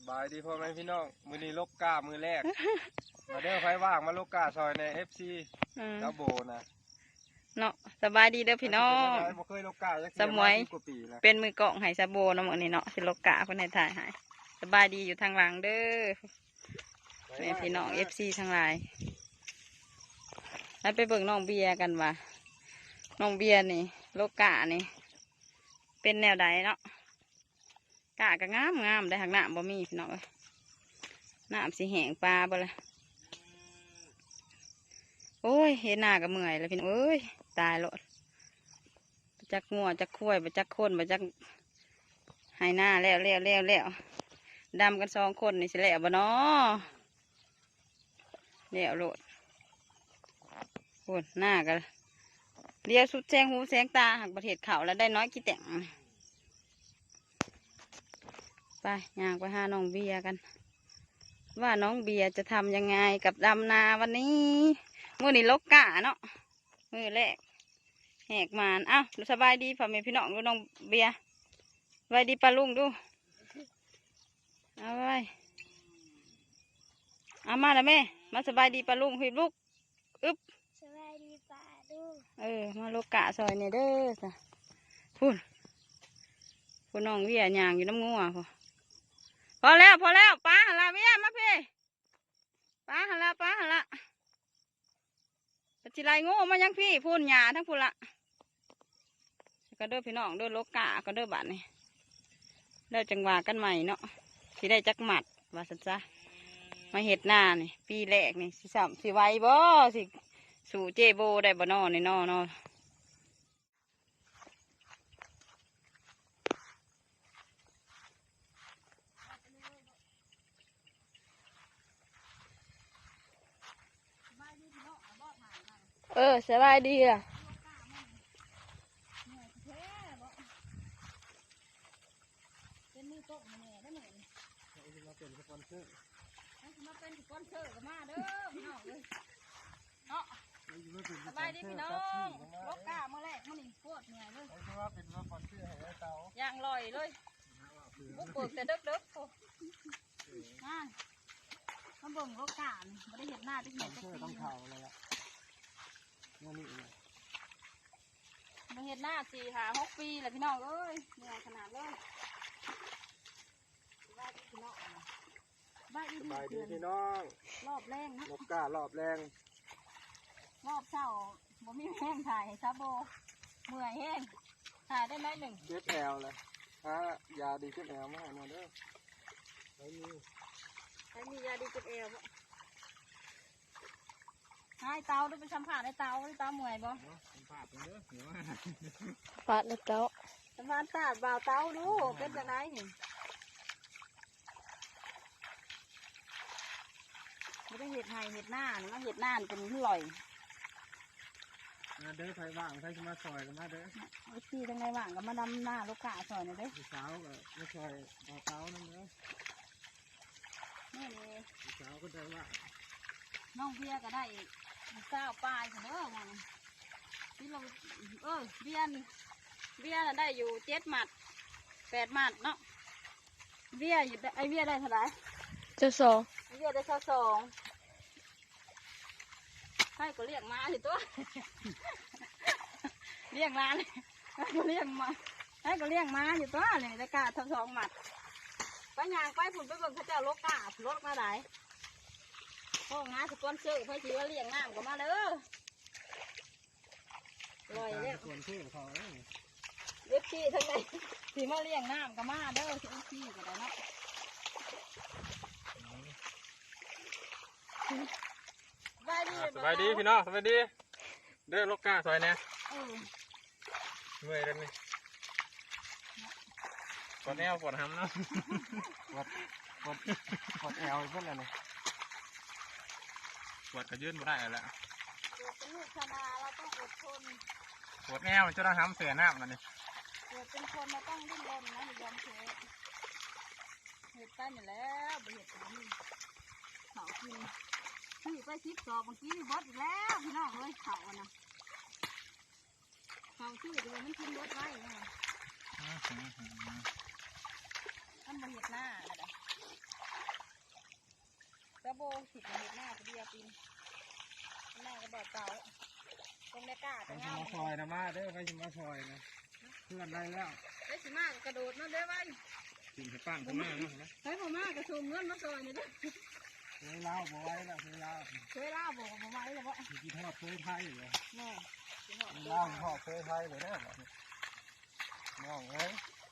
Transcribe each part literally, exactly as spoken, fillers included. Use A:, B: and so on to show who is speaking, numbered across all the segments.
A: บายดีพ่อแม่พี่น้องมือนี้ลกกามือแรกมาเด้อไฟว่างมาลกกาซอยในเอฟซีแล้วโบนะ
B: เนาะสบายดีเด้อพี่น้องสมวยเป็นมือกล่องให้ซาโบน้ำมันนี่เนาะสิลกกาเพิ่นให้ถ่ายให้สบายดีอยู่ทางหลังเด้อแม่พี่น้องเอฟซีทั้งหลายแล้วไปเบิ่งน้องเบียกันว่าน้องเบียนี่ลกกานี่เป็นแนวใดเนาะกะก็งามงามได้หักหน้าบ่มีพี่น้องเอ้ยน้ำสีแห้งปลาบ่ละโอ้ยเห็นหน้าก็เมื่อยแล้วพี่น้องเอ้ยตายแล้วจักงัวจักคุ้ยไปจักคนไปจักหายหน้าแล้วแล้วแล้วแล้วดำกันสองคนนี่สิแล้วบ่เนาะแล้วโลดโอ้หน้ากันเรียวสุดแสงหูแสงตาหักประเทศเขาแล้วได้น้อยกี่แต่งไปย่างไปหาน้องเบียร์กันว่าน้องเบียร์จะทำยังไงกับดำนาวันนี้มื้อนี้ลกกะเนาะมื้อแรกแหกมานอ้าวสบายดีพ่อแม่พี่น้องดูน้องเบียร์สบายดีปลาลุงดูเอาไว้เอามาแล้วแม่มาสบายดีปลาลุงหิบลูกอึ๊บ
C: สบายดีปลาลุง
B: เออมาลกกะซอยเนี่ยเด้อจ้ะพูดพูดน้องเบียร์ย่างอยู่น้ำงัวพอพอแล้วพอแล้วป้าหันละเมียมาพี่ป้าหันละป้าหันละจิไรโง่มายังพี่พูนหยาทั้งพูนละก็เด้อพี่น้องเด้อโลกะก็เด้อบ้านนี่เด้อจังหวะกันใหม่เนาะสิได้จักหมัดว่าสันซะมาเห็ดหน้านี่ปีแรกนี่สิสามสิไวบ่สิสู่เจโบได้บ่นอในนอนอเออสบายดีอ่ะเป็นมือโต๊ะแม่ได้ไหมมาเป็นสปอนเซอร์มาเป็นสปอนเซอร์กับมาเด้อพี่น้องเลยเนาะสบายดีพี่น้องลกกาเมื่อแรกมันนี่ปวดเหนื่อยเลยว่าเป็นสปอนเซอร์ให้เตาย่างลอยเลยบุกเบิกแต่เด็กเด็กโอ้มามาเบิ่งลกกาไม่ได้เห็นหน้าที่ไหนจะต้องเข่าเลยอ่ะนี่เลยมาเห็นหน้าสี่หาหกปีเลยพี่น้องเอ้ยเหนื่อยขนาดเลยบ้านพี่น้องบ้านสบายดีพี่น้องรอบแรงนะลกการอบแรงรอบเช้าบ่มีแห้งถ่ายซาโบเมื่อยแห้งถ่ายได้ไหมหนึ่งเจ็บแอวเลยฮะยาดีเจ็บแอวมาให้หน่อยเด้อไม่มีไม่มียาดีเจ็บแอวให้เตาด้วยไปสัมผัสให้เตาให้เตาเมื่อยบ่สัมผัสเด้อหัวปาดเลยเตาสัมผัสตาบ่าวเตาดูเป็นยังไงนี่ไม่ได้เห็ดไห่เห็ดหน้านี่มาเห็ดหน้าเป็นอร่อยมาเด้อใครว่างใครจะมาซอยกันมาเด้อไอ้ที่ทั้งไงว่างก็มาดำหน้าลูกกาซอยหน่อยเด้อสาวก็มาซอยบ่าวเตานั่นเด้อนี่เลยสาวก็ได้ว่าน้องเบียก็ได้เศร้าปลายเด้อมันที่เราเออเบียนเบียนได้อยู่เจ็ดหมัดแปดหมัดเนาะเบียอยู่ไอเบียได้เท่าไหร่เจ้าสองไอเบียได้เจ้าสองให้ก็เรียกมาสิตัวเรียกมาเลยให้ก็เรียกมาให้ก็เรียกมาอยู่ตัวเลยได้กาเท่าสองหมัดไปยางไปผุนไปเบิ่งพระเจ้าโลกาลดมาไหนพ่องาสปอนเซอร์เพื่อที่ว่าเลี้ยงน้ำก็มาเด้อลอยเนี่ยส่วนที่เขาเล็บที่ทั้งในที่มาเลี้ยงน้ำก็มาเด้อเล็บที่ก็ได้เนาะสบายดีสบายดีพี่น้องสบายดีเด้อลูกกาซอยเนี่ยเมื่อยแล้วนี่ปวดแอวปวดหำเนาะปวดปวดปวดแอวเพื่อนอะไรปวดกระยืนไม่ได้แล้วปวดเป็นลูกชนาเราต้องอดทนปวดแอวจะต้องทำเสือหน้ามันนี่ปวดเป็นคนเราต้องดิ้นรนนะอย่ายอมแพ้เห็ดตั้งอยู่แล้วไปเห็ดแบบนี้เขากินซื้อไปซิปสอบเมื่อกี้บดอีกแล้วพี่น้องเลยเขาอ่ะนะเขาซื้อดูมันกินบดไว้เนี่ยมันมาเห็ดหน้าอะไรโบสิบเห็ดหน้าเดียวปีนหน้ากระบอกเก่าตรงในกา
A: ไป
B: จะ
A: ชิมาซอยนะมาเด้อไปชิมาซอยนะเพื่อนได้แล้ว
B: ไอ้สิมากกระโดดนั่นเด้อไว้
A: กินไปปั้งข้างหน้าเนาะนะ
B: เฮ้ยผมมากระชุมเงินมาซอยนี่เด้อ
A: เคยเล่าบ่ไว้แล้วเคยเล่า
B: เคยล่าบอกผมไว้เลยว่า
A: ที่ทอดเคยไทยเลย
B: แม่
A: เล่าทอดเคยไทยเลยนะน้องเอ้ย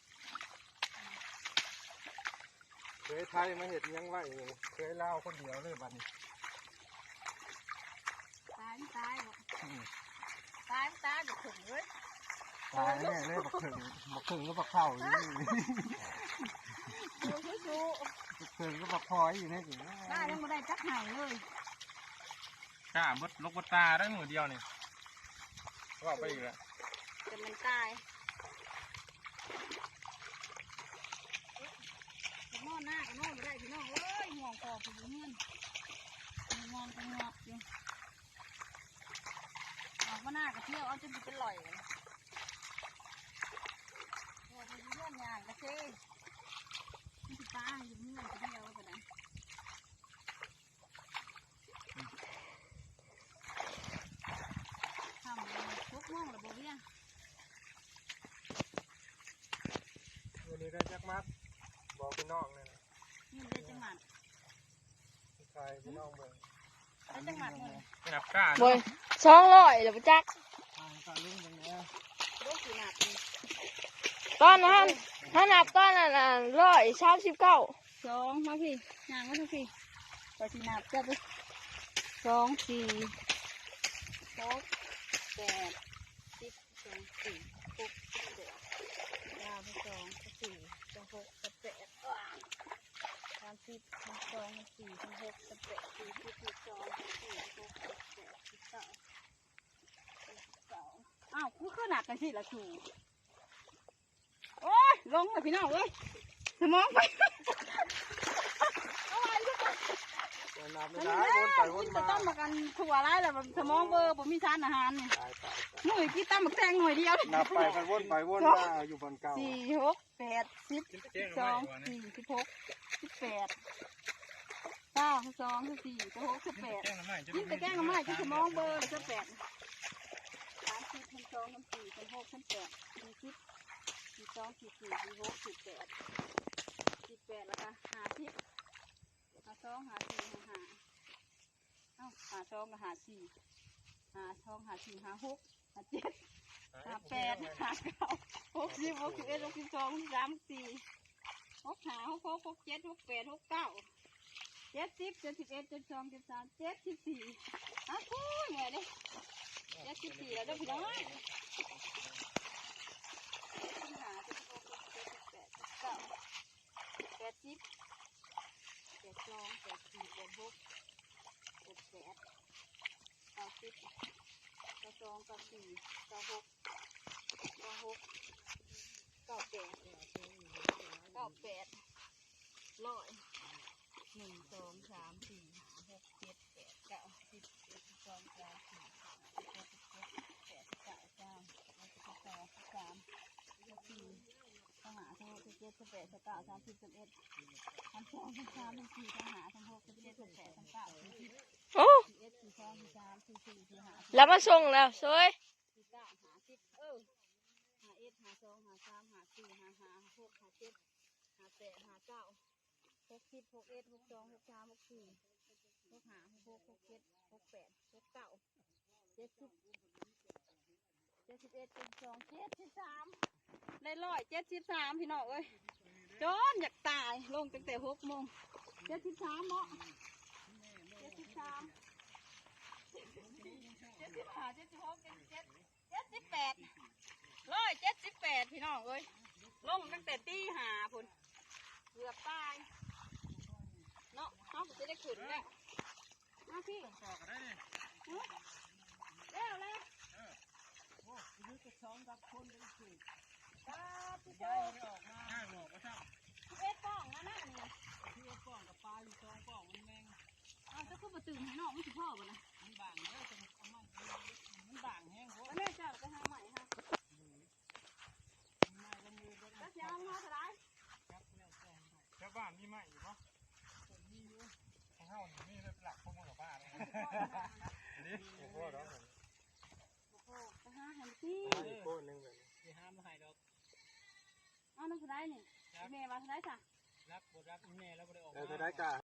A: เคยไทยมาเห็ดยังไหวเคยเล่าคนเดียวเลยบัดนี้
B: ตายตายบอกตายตายบอกถึงเลย
A: ตายแน่เลยบักถึงบักถึงก็บักเข่าอยู่นี่
B: ดูชูชู
A: บักถึงก็บักพลอยอยู่นี่สิ
B: ได้ยังไม่ได้จักหายเลย
A: กล้าบดลกบดตาได้มือเดียวนี่ว่าไปอีกแล้ว
B: จะมันตายนอนหน้าก็นอนไม่ได้พี่น้องเอ้ยห่วงคอผมเงินงอนกันงอกอยู่ออกมาหน้าก็เที่ยวเอาจนเป็นลอยเลยโอ้ยเป็นเรื่องอย่างกระเซ่ที่ตาอยู่เงื่อนเดียวก็ได้ทำทุกม่วงหรือบ่เบี้ย
A: วันนี้ได้จักมัดบอกพี่น้องเลยนะ
B: นี่ได้จังหวัด
A: ใครพี่น้องเบิ่ง
B: ได้จังหวัดเลย
A: ขนาดกล้า
D: บนสองร้อยเดี๋ยวไปจัก
A: ทางการลุ่มตรงนี้
B: โรคสีหนัก
D: ตอนนั้นถ้านับตอนนั้นอ่ะร้อยสามสิบเก้า
B: สองมาพี่ยางมาทุกพี่พอสีหนักจะไปสองสี่หกแปดสิบสองสี่หกสิบแปดเก้าสิบสองสิบสี่สิบหกสิบแปดสามสิบสิบสองสิบสี่สิบหกสิบแปดสี่สิบสิบสองสิบสี่สิบหกสิบแปดสิบเก้าสิบเก้าอ้าวคือขนาดกันสิละชูโอ้ยลงเลยพี่น้องเอ้ยสมองไปเอาไว้ลูก
A: นับไม่
B: มัน
A: ได้
B: แล้
A: วนไปว
B: กิ
A: น
B: น
A: มา
B: จะต้มมากันถั่วไรแหละสมองเบอร์ผมมีทานอาหารเนี่ย
A: ตายตาย
B: หนุ่ยกินตั้มหมักแตงหน่วยเดียว
A: นับไปไปวนไปวนมาอยู่บนเก่า
B: สี่หกแปดสิบสิบสองสี่สิบหกสิบแปดเก้าสิบสองสิบสี่สิบหกสิบแปดกินแต่แกงน้ำไม้กินสมองเบอร์สิบแปดสามสิบสิบสองสิบสี่สิบหกสิบแปดสี่สิบสิบสองสิบสี่สิบหกสิบแปดสิบแปดแล้วก็ห้าสิบห้าสองห้าสี่ห้าห้าเอ้าห้าสองกับห้าสี่ห้าสองห้าสี่ห้าหกห้าเจ็ดห้าแปดห้าเก้าหกสิบหกสิบเอ็ดหกสิบสองหกสิบสามสี่หกห้าหกหกหกเจ็ดหกแปดหกเก้าเจ็ดสิบเจ็ดสิบเอ็ดเจ็ดสองเจ็ดสามเจ็ดสิบสี่อ้าวคุยไงเนี่ยเจ็ดสิบสี่แล้วเด้อพี่น้องห้าเจ็ดสิบหกเจ็ดสิบแปดเจ็ดสิบเก้าแปดสิบแปดสองแปดสี่แปดหกแปดแปดเก้าสิบเก้าสองเก้าสี่เก้าหกเก้าหกเก้าแปดเก้าแปดร้อยหนึ่งสองสามสี่ห้าหกเจ็ดแปดเก้าสิบเอ็ดสิบสองสามสี่ห้าหกเจ็ดแปดเก้าเก้าสิบสิบสองสิบสามสิบสี่ทหารทั้งหกสิบเจ็ดสิบแปดสิบเก้าสามสิบสิบเอ็ดสามสองสามสามสิบสี่ทหารทั้งหกสิบเจ็ดสิบแปดสิบเก้าสี่สิบ
D: โอ้
B: สี่เอ็ดสี่สองสี่สามสี่สี่สี่ห้า
D: แล้วมาส่งแล้วสวย
B: สี่เก้าหาสิบเออหาเอ็ดหาสองหาสามหาสี่หาห้าหกหาเจ็ดหาแปดหาเก้าหกสิบหกเอ็ดหกสองหกสามหกสี่หกห้าหกหกหกเจ็ดหกแปดหกเก้าเจ็ดสิบเจ็ดสิบเอ็ดเจ็ดสองเจ็ดสิบสามได้ร้อยเจ็ดสิบสามพี่น้องเอ้ยจนอยากตายลงตั้งแต่หกโมงเจ็ดสิบสามเนาะเจ็ดสิบสามเจ็ดสิบห้าเจ็ดสิบหกเจ็ดสิบเจ็ดเจ็ดสิบแปดร้อยเจ็ดสิบแปดพี่น้องเอ้ยลงตั้งแต่ตีห้าพุ่นเกือบตายเนาะเขาจะได้ขึ้นแล้วมาพี่
A: ต่อกันได้เนี่ย
B: แล้วแล้ว
A: โอ้ยจะสองกับคนเป็นสี่
B: ตาพี่โต
A: ย้ายไม่ออกมาห้างหลอกก็ช่าง
B: พี่เอ็ดป้องนะนั่นนี่
A: ที่ว่าป้องกับปลาอยู่สองป้องมันแมง
B: เอาจะขึ้นมาตื่นให้น้องไม่สิพ่อบ่นะ
A: มันบางเด้อจะเอามามันบางแห้งโว้
B: แล้วแม่เจ้าไปหาใหม่ฮะ
A: มาแล้วมือก็
B: แล้วจะเอามาเท่าไร
A: ครับแล้วแต่ชาวบ้านมีไหมอยู่ปะมีอยู่หเฮานี่เลยหลักข้อมูลของบ้านนี่โอ้โหเนาะ
B: โอ้โหไปหาหันพี่
A: โก้นึงเลย
E: ที่ห้ามมาให้ดอก
B: เอาน้ำผู้ใดนี่แม่ว่าผู้ใดจ้ะ
E: รักบ่รักแม่แล้วบ่ได้ออก
A: เออจะได้กะ